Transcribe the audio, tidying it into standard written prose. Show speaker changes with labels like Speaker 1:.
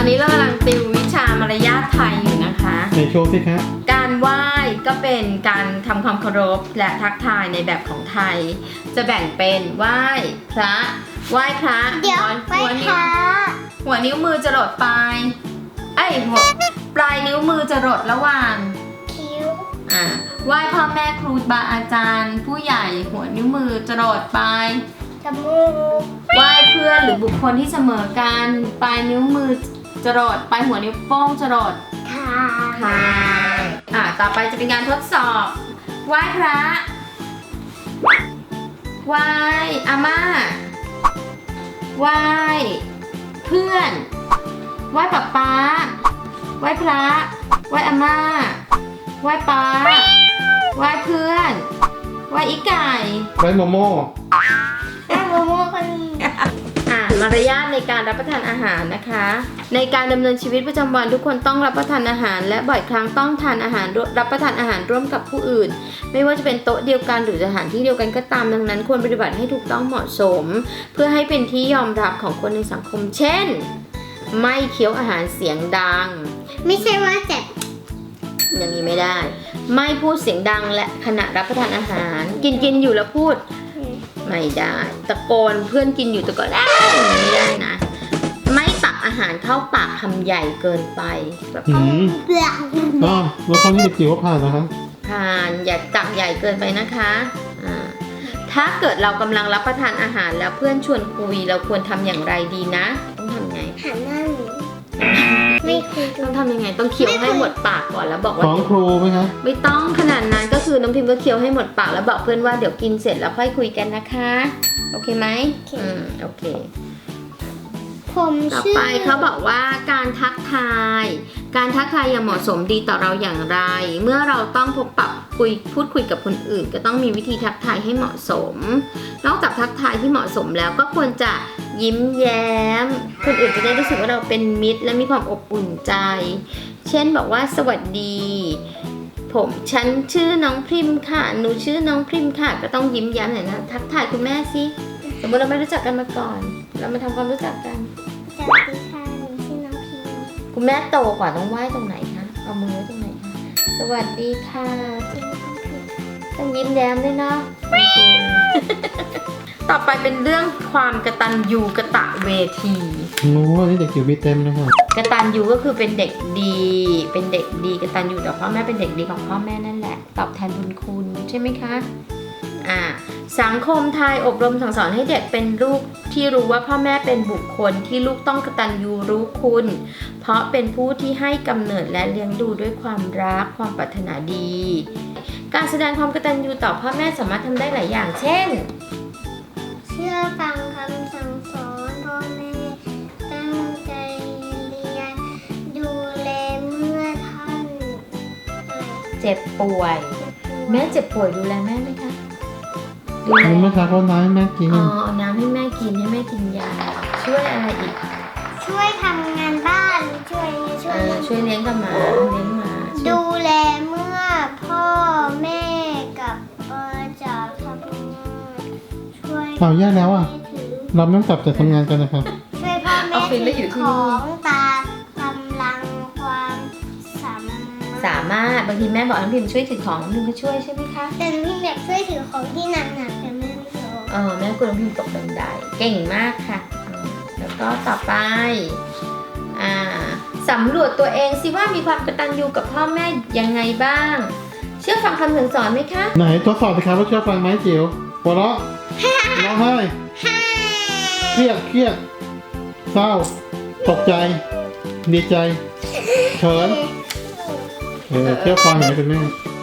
Speaker 1: นี้เรากำลังติววิชามารยาทไทยอยู่นะคะ
Speaker 2: ในโชว์สิครับ
Speaker 1: การไหว้ก็เป็นการทำความเคารพและทักทายในแบบของไทยจะแบ่งเป็นไหว้พระไหว้พระ
Speaker 3: เดี๋ยวไหว้พระ
Speaker 1: หัวนิ้วมือจะหลดปลายปลายนิ้วมือจะหลดระหว่าง
Speaker 3: คิ้ว
Speaker 1: ไหว้พ่อแม่ครูบาอาจารย์ ผู้ใหญ่หัวนิ้วมือจะหลดปลาย
Speaker 3: จมูก
Speaker 1: ไหว้เพื่อนหรือบุคคลที่เสมอกันปลายนิ้วมือจรดปลายหัวนิ้วโป้งจรดค่ะต่อไปจะเป็นการทดสอบไหว้พระไหว้อาม่าไหว้เพื่อนไหว้ป๊าป๊าไหว้พระไหว้อาม่าไหว้ป๊าไหว้เพื่อนไหว้อีไก่
Speaker 2: ไหว้โมโม่
Speaker 3: โมโม่คน
Speaker 1: มารยาทในการรับประทานอาหารนะคะในการดำเนินชีวิตประจำวันทุกคนต้องรับประทานอาหารและบ่อยครั้งต้องทานอาหารรับประทานอาหารร่วมกับผู้อื่นไม่ว่าจะเป็นโต๊ะเดียวกันหรือสถานที่เดียวกันก็ตามดังนั้นควรปฏิบัติให้ถูกต้องเหมาะสมเพื่อให้เป็นที่ยอมรับของคนในสังคมเช่นไม่เคี้ยวอาหารเสียงดัง
Speaker 3: ไม่ใช่ว่าเจ็บ
Speaker 1: อย่างนี้ไม่ได้ไม่พูดเสียงดังและขณะรับประทานอาหารกินอยู่แล้วพูดไม่ได้ตะโกนเพื่อนกินอยู่ตะโกนไม่ได้นะไม่ตักอาหารเข้าปากคำใหญ่เกินไปแบบ
Speaker 2: แล้วข้อนี้เด็กจิ๋วก็ผ่านนะครับ
Speaker 1: ผ่านอย่าตักใหญ่เกินไปนะคะถ้าเกิดเรากำลังรับประทานอาหารแล้วเพื่อนชวนคุยเราควรทำอย่างไรดีนะต้องทำไง
Speaker 3: หันหน้าไม่คุย
Speaker 1: ต้องทำยังไงต้องเคี้ยวให้หมดปากก่อนแล้วบอกว่า
Speaker 2: ฟ้องครูไหมคะ
Speaker 1: ไม่ต้องขนาดนั้นก็คือน้องพิมพ์ก็เคี้ยวให้หมดปากแล้วบอกเพื่อนว่าเดี๋ยวกินเสร็จแล้วค่อยคุยกันนะคะโอเคไหมโอเคต่อไปเขาบอกว่าการทักทายอย่างเหมาะสมดีต่อเราอย่างไรเมื่อเราต้องพบปะพูดคุยกับคนอื่นก็ต้องมีวิธีทักทายให้เหมาะสมนอกจากทักทายที่เหมาะสมแล้วก็ควรจะยิ้มแย้มคนอื่นจะได้รู้สึกว่าเราเป็นมิตรและมีความอบอุ่นใจเช่นบอกว่าสวัสดีฉันชื่อน้องพริมค่ะหนูชื่อน้องพริมค่ะก็ต้องยิ้มแย้มหน่อยนะทักทายคุณแม่สิสมมติเราไม่รู้จักกันมาก่อนเรามาทำความรู้จักกัน
Speaker 3: สวัสดีค่ะหนูชื่อน้องพริม
Speaker 1: คุณแม่โตกว่าต้องไหว้ตรงไหนคะเอามือไว้ตรงไหนคะสวัสดีค่ะต้องยิ้มแย้มด้วยเนาะต่อไปเป็นเรื่องความกตัญญูกตเวที
Speaker 2: ว่านี่เด็กจิ๋วมีเต็มนะครับ
Speaker 1: กตัญญูก็คือเป็นเด็กดีกตัญญูต่อพ่อแม่เป็นเด็กดีของพ่อแม่นั่นแหละตอบแทนบุญคุณใช่ไหมคะสังคมไทยอบรมสั่งสอนให้เด็กเป็นลูกที่รู้ว่าพ่อแม่เป็นบุคคลที่ลูกต้องกตัญญูรู้คุณเพราะเป็นผู้ที่ให้กำเนิดและเลี้ยงดูด้วยความรักความปรารถนาดีการแสดงความกตัญญูต่อพ่อแม่สามารถทำได้หลายอย่างเช่น
Speaker 3: เชื่อฟังคำสั่งสอนพ่อแม่ตั้งใจเรียนดูแลเมื่อท่าน
Speaker 1: เจ็บป่วยแม่เจ็บป่วยดูแลแม่ไหมคะ
Speaker 2: ดูแลเมื่อเช้าเขาน้ำให้แม่กิน
Speaker 1: เอาน้ำให้แม่กินยาช่วยอะไรอีก
Speaker 3: ช่วยทำงานบ้านช่วย
Speaker 1: เลี้ยงกับหมา
Speaker 3: ดูแลเมื่อพ่อแม่กับจากทำงานช่วย
Speaker 2: แย่แล้วเราไม่ต้องกลับจากทำงานกันนะครับ
Speaker 3: ช่วยพ่อแม่ถือของตากำลังความ
Speaker 1: สามารถบางทีแม่บอกน้องพิมช่วยถือของน้องพิมก็ช่วยใช่ไหมคะ
Speaker 3: แต่น้องพิมอยากช่วยถือของที่หนักๆแต่แม่ไม่ยอม
Speaker 1: แม่กลัวน้องพิมตกบันไดเก่งมากค่ะแล้วก็ต่อไปสำรวจตัวเองสิว่ามีความกตัญญูกับพ่อแม่ยังไงบ้างเชื่อฟังคำสั่งสอนไหมคะ
Speaker 2: ไหนทดสอบสิครับว่าเชื่อฟังไหมจิ๋วหัวเราะร้องไห้เครียดเศร้าตกใจดีใจเขินเชื่อฟังไหมคุณแม่